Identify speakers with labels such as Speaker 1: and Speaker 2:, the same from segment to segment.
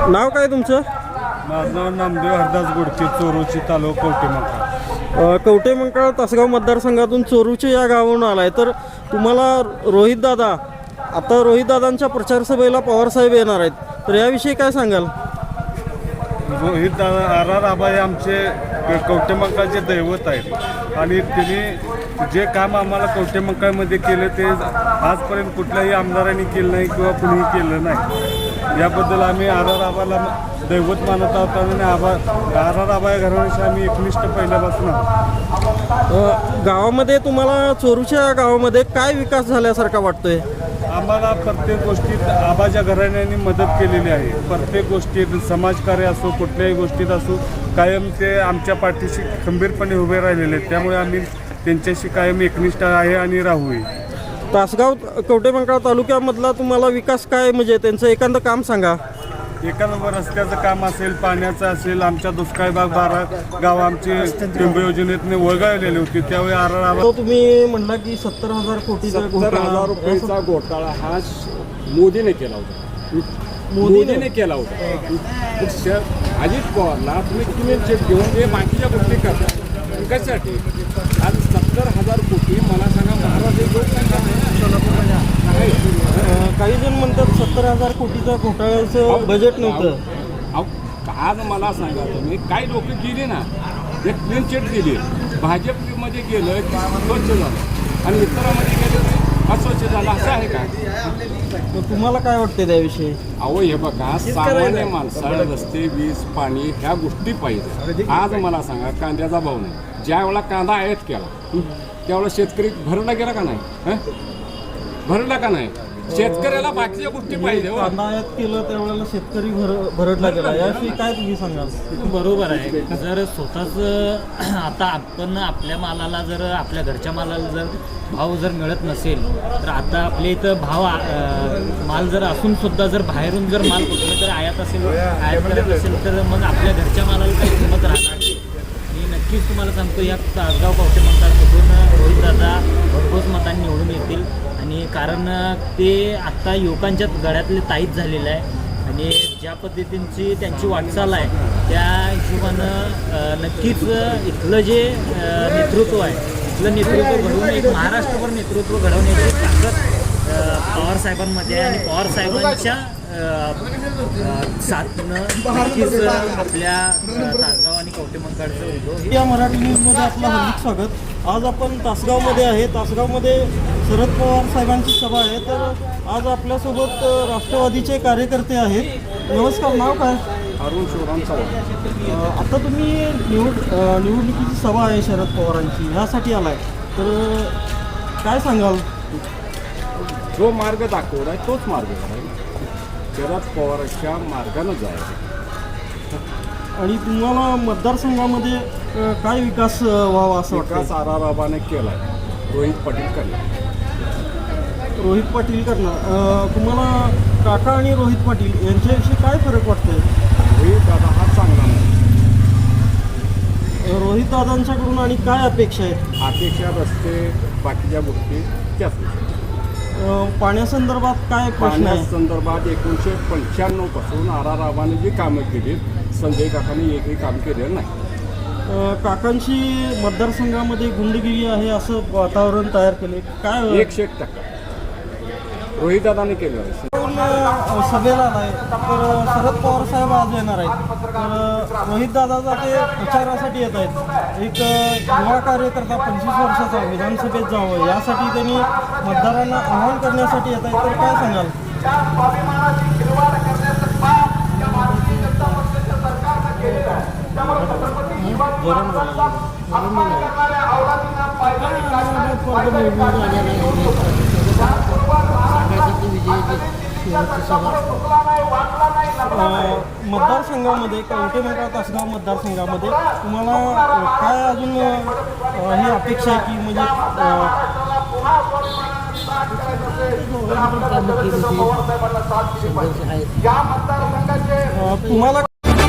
Speaker 1: नाव काय तुमचं?
Speaker 2: माझं नाव नामदेव हरदास गोडके, चोरूची, तालुका कवठेमंकाळ.
Speaker 1: कवठेमंकाळ तासगाव मतदारसंघातून चोरूचे या गावावरून आलाय, तर तुम्हाला रोहित दादा, आता रोहित दादांच्या प्रचार सभेला पवारसाहेब येणार आहेत, तर याविषयी काय सांगाल?
Speaker 2: रोहित दादा आर आबा हे आमचे कवठेमंकाळचे दैवत आहेत आणि त्यांनी जे काम आम्हाला कवठेमंकाळमध्ये केलं ते आजपर्यंत कुठल्याही आमदारांनी केलं नाही किंवा कुणीही केलं नाही. याबद्दल आम्ही आर आबाला दैवत मानत आहोत आणि आर आबा या घराण्याशी आम्ही एकनिष्ठ पहिल्यापासून आहोत.
Speaker 1: गावामध्ये तुम्हाला चोरूच्या गावामध्ये काय विकास झाल्यासारखा वाटतोय?
Speaker 2: आम्हाला प्रत्येक गोष्टीत आबाच्या घराण्यांनी मदत केलेली आहे. प्रत्येक गोष्टीत समाजकार्य असो, कुठल्याही गोष्टीत असो, कायम ते आमच्या पाठीशी खंबीरपणे उभे राहिलेले आहेत. त्यामुळे आम्ही त्यांच्याशी कायम एकनिष्ठ आहे आणि राहूही.
Speaker 1: तासगाव कवठेमंकाळ तालुक्यामधला तुम्हाला विकास काय, म्हणजे त्यांचं एखादं काम सांगा.
Speaker 2: एका नंबर रस्त्याचं काम असेल, पाण्याचं असेल, आमच्या दुष्काळी भाग 12 गाव आमचे टिंब योजनेतने वळगावलेले होते त्यावेळी आर आबा.
Speaker 1: तो तुम्ही म्हणला की 70,000 कोटीचा
Speaker 3: 70,000 रुपयाचा घोटाळा हा मोदीने केला होता. मोदीने केला होता. अजित पवारला तुम्ही चेक घेऊन ते बाकीच्या गोष्टी करता कशासाठी? आज 70,000 कोटी मला सांगा, महाराष्ट्र लोकसंख्या
Speaker 1: काही जण म्हणतात 70,000 कोटीचा घोटाळ्याचं बजेट नव्हतं.
Speaker 3: आज मला सांगा, तुम्ही काही लोक गेले ना, ते क्लीन चिट दिली, भाजपमध्ये गेलं स्वच्छ झालं आणि इतरांमध्ये गेलं ते अस्वच्छ झालं, असं आहे का?
Speaker 1: तर तुम्हाला काय वाटते त्याविषयी?
Speaker 3: अहो हे बघा, सामान्य माणसाला रस्ते, वीज, पाणी ह्या गोष्टी पाहिजे. आज मला सांगा, कांद्याचा भाव नाही. ज्या वेळेला कांदा आयात केला त्यावेळेला शेतकरी भरला गेला का नाही? भरला का नाही? शेतकऱ्याला बाकीच्या गोष्टी पाहिजे.
Speaker 1: कांदा आयात केलं त्यावेळेला शेतकरी भरडला गेला, याविषयी काय तुम्ही सांगाल?
Speaker 4: बरोबर आहे. जर स्वतःच आता आपण आपल्या मालाला जर आपल्या घरच्या मालाला जर भाव जर मिळत नसेल, तर आता आपल्या इथं माल जर असून सुद्धा जर बाहेरून जर माल कुठलं जर आयात करत असेल तर मग आपल्या घरच्या मालाला काही किंमत राहणार नाही. मी नक्कीच तुम्हाला सांगतो, या तासगाव कवठेमंकाळमधून रोहितदादा भरघोस मतांनी निवडून येतील. आणि कारण ते आत्ता युवकांच्या गळ्यातले ताईत झालेलं आहे आणि ज्या पद्धतींची त्यांची वाटचाल आहे त्या हिशोबानं नक्कीच इथलं जे नेतृत्व आहे, इथलं नेतृत्व घडवून एक महाराष्ट्रभर नेतृत्व घडवण्याची ताकद पवारसाहेबांमध्ये आहे आणि पवारसाहेबांच्या साथनं नक्कीच आपल्या तासगाव आणि कवठेमंकाळचं उद्योग.
Speaker 1: या मराठी न्यूजमध्ये आपलं हार्दिक स्वागत. आज आपण तासगावमध्ये आहे. तासगावमध्ये शरद पवार साहेबांची सभा आहे, तर आज आपल्यासोबत राष्ट्रवादीचे कार्यकर्ते आहेत. नमस्कार, नाव काय?
Speaker 3: अरुण शिवराम चव्हाण.
Speaker 1: आता तुम्ही निवडणुकीची सभा आहे शरद पवारांची, ह्यासाठी आलाय, तर काय सांगाल?
Speaker 3: जो मार्ग दाखवला आहे तोच मार्ग आहे. शरद पवारांच्या मार्गानं जायचं.
Speaker 1: आणि तुम्हाला मतदारसंघामध्ये काय विकास व्हावा असं
Speaker 3: विकास
Speaker 1: वाटतं?
Speaker 3: आर आबाने केला आहे, रोहित पाटील करणार.
Speaker 1: रोहित पाटील करणार. तुम्हाला काका आणि रोहित पाटील यांच्याविषयी काय फरक वाटतोय?
Speaker 3: रोहित दादा हा चांगला नाही.
Speaker 1: रोहित दादांच्याकडून आणि काय अपेक्षा आहेत?
Speaker 3: अपेक्षा रस्ते बाकीच्या गोष्टी त्याच.
Speaker 1: पाण्यासंदर्भात काय प्रश्न आहे?
Speaker 3: पाण्यासंदर्भात 1995 पासून आर आबाने जी कामं केली, संजय काकांनी एकही काम केलेलं नाही.
Speaker 1: काकांची मतदारसंघामध्ये गुंडगिरी आहे असं वातावरण तयार केले, काय
Speaker 3: 100% रोहितदादाने केलं आहे.
Speaker 1: सभेला आलाय, तर शरद पवार साहेब आज येणार आहेत, तर रोहित दादा ते प्रचारासाठी येत आहेत. एक युवा कार्यकर्ता 25 वर्षाचा विधानसभेत जावं यासाठी त्यांनी मतदारांना आवाहन करण्यासाठी येत आहेत, तर काय सांगाल? मतदारसंघामध्ये कवठेमंकाळ तासगाव मतदारसंघामध्ये तुम्हाला काय अजून ही अपेक्षा आहे की म्हणजे तुम्हाला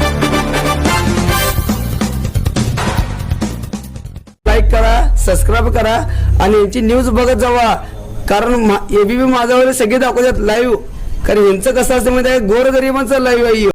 Speaker 5: लाईक करा, सबस्क्राईब करा आणि यांची न्यूज बघत जावा. कारण एबीपी माझावर सगळे दाखवतात लाईव्ह. कारण यांचं कसं असतं माहिती आहे, गोरगरिबांचं लाईव्ह आहे.